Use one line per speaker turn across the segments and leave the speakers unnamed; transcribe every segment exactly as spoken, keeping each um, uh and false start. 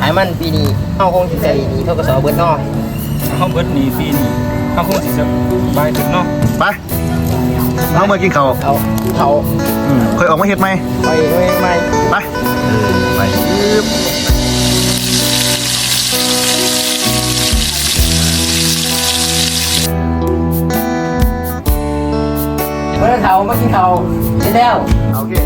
ายมันปีนี้เข้าคงสิใส่นี่เท่ากับสอเบิร์ดนอก
เขาเบิดหนีฟรีหนีเขาคงสิสบายถึงเนาะ
ไปเอามากินข้าว
เอาเขา
อืมค่อยออกมาเฮ็ดไหม
ไปไม่ไม่
ไปเออไปปึ๊บ
เมื่อเขามากินเขาเสร็จแล้ว
โอเค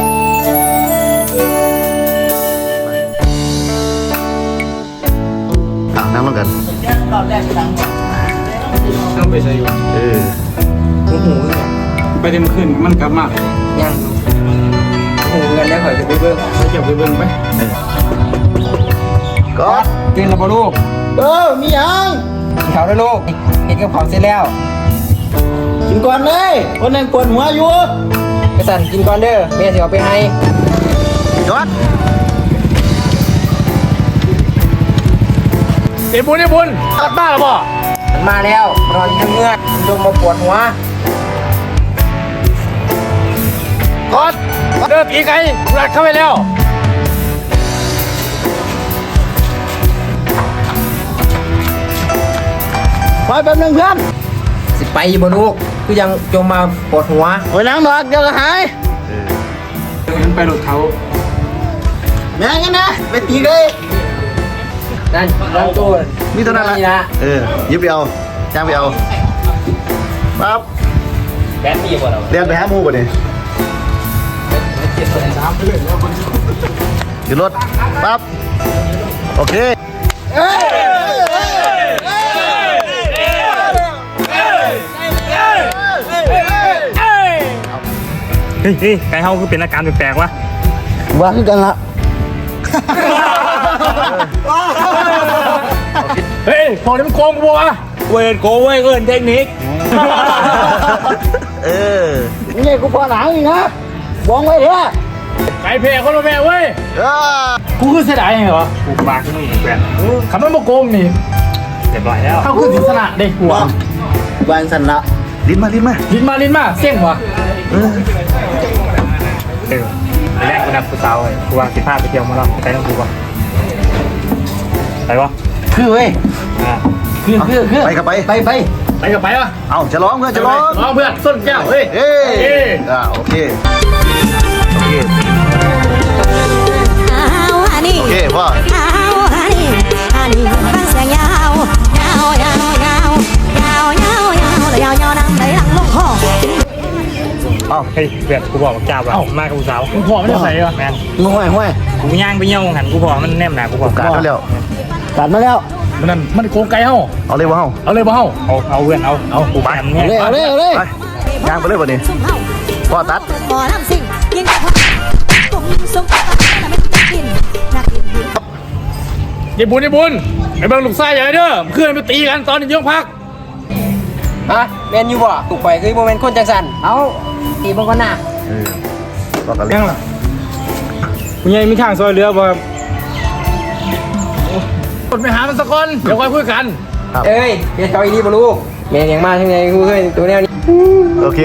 อ่ะนั่งลงกัน
รอบแรกดัง
ต้องไปใส่อยู่
เออ
หูหู
ไปเต็มขึ้นมันกลับมา
ยังหูกันแล้วข่อยจะไปเบิ้ง
ไปเก็บไปเบิ่งไป
ก็
กินแล้วบ่ลูก
เออมียัง
กินเขาแล้วลูกเห็นกับเขาเสร็จแล้ว
กินก่อนเลยคนนั้นปวดหัวอยู่
กระสันกินก่อนเด้อแม่สิเอาไปให้
ยอด
เอ็บุญเอ็บุญกลับบ้านแล้วบ่
มันมาแล้วนอนทั้งเมื่อมันดมมาปวดหัว
กอดเดินอีกไงรัดเข้าไปแล้ว
คอยแป๊บนึงเพื่อน
สิไปอยู่บ่ลูกคือยังจมมาปวดหัว
โอ้ยนั่งดอกเดี๋ยวก็หาย
เดินไปหลุดเขา
แม่งั้นนะไปตีเลย
นั่นนั่นตู้
มีเท่านั้น
นี่
ละ
นะ
เออยิบไปเอาจ้างไปเอาปั๊บ
แบนตีบ่เรา
เรียนไปหาหมูป่ะเนี่ย
เจ็บตัวไหนน้ำไปเลย
ขึ้นรถปั๊บโอเค
เฮ้ยเฮ้ยไก่เฮาคือเป็นอาการแปลกๆวะ
ว่าคือกันละ
เฮ้ยพอนี้มันโกงกูวะเวิร์นโกเว้ยเวิร์นเทคนิค
เออ
นี่กูพอหลังอีกนะวางไว้เถอะ
ไก่เพลคนละแม่เว้ย
เออ
กูคือเสียดายไงเหรอกูบาขึ้นนี่แฟนคำว่าโกงนี่เรียบร้อยแล้วเข้าคือสิสนะเด็กหัว
วางสันละ
ลิ้นมาลิ้นมา
ลิ้นมาลิ้นมาเสี่ยงวะ
เออ
เออไปแรกกูนัดกูสาวเลยกูวางสิบห้าไปเที่ยวมาแล้วไปต้องกูวะไปวะ
คือเว้ย
อ่า
คือคือคือ
ไปกับไป
ไปไป
ไปกับไปวะ
เอาจะร้องเพื่อนจะร้อง
น้องเพื่อนส้นแก้วเฮ้ย
เอ้ยอ่าโอเคโอเค
เอาฮันนี่
โอเคพ่อ
เอาฮันนี่ฮันนี่ฟังเสียงยาวยาวยาวยาวยาวยาวยาวยาวยาวนั่งไหลหลังลงคอ
เอา
เฮ้ยเพื่อนกูบอกกับจ้าว่ามากับกูสาวกูพอไม่ได้ใส่วะแมน
ห้วยห้วย
กูย่างไปเยี่ยวหันกูพอมันแนมหนากูพอ
การเขาแล้ว
ตัดมาแล้ว
มันนั่นมันโกงไก่เฮา
เอาเลยวะเฮา
เอาเลยบ่เฮาเอาเอาเพื่อนเอาเอากูไป
เอาเลยเอาเลยเอาเลย
ไปย่างไปเลยป่ะนี่
ซุ่มเฮา
พ่อตัด
หมอลำสิ่งยิงกับกลุ่มซุ่มก็ไม่กินนักกิน
ยายบุญยายบุญไอ้เบิ่งลูกไส้ใหญ่เด้อเพื่อนไปตีกันตอนนี้ยกพัก
ฮะแมนอยู่บ่ถูกไปคือโมเมนต์คนจังสันเอาตีบางคนน่ะ
เออต่อกันเลย
ยังล่ะคุณยายมีทางซอยเรือบ่กดไปหามันสักคนเดี๋ยวค่อยคุยกัน
ครับ
เอ้ยเดี๋ยวเขาอีนี่บ่ลูกแมนอย่างมากทั้งไงกูเคยตัวแนวนี้
โอเค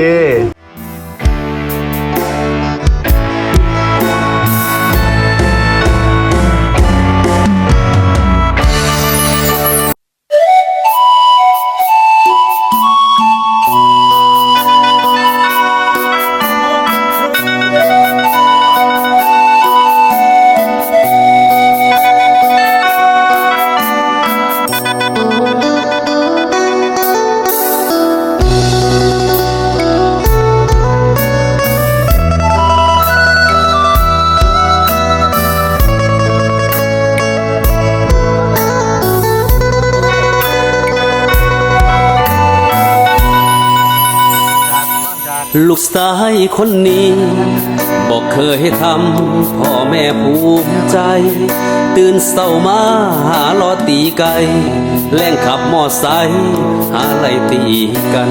ลูกชายคนนี้บอกเคยทำพ่อแม่ภูมิใจ ตื่นเศร้ามาหาลอตีไก่แล่งขับมอไซค์หาไล่ตีกัน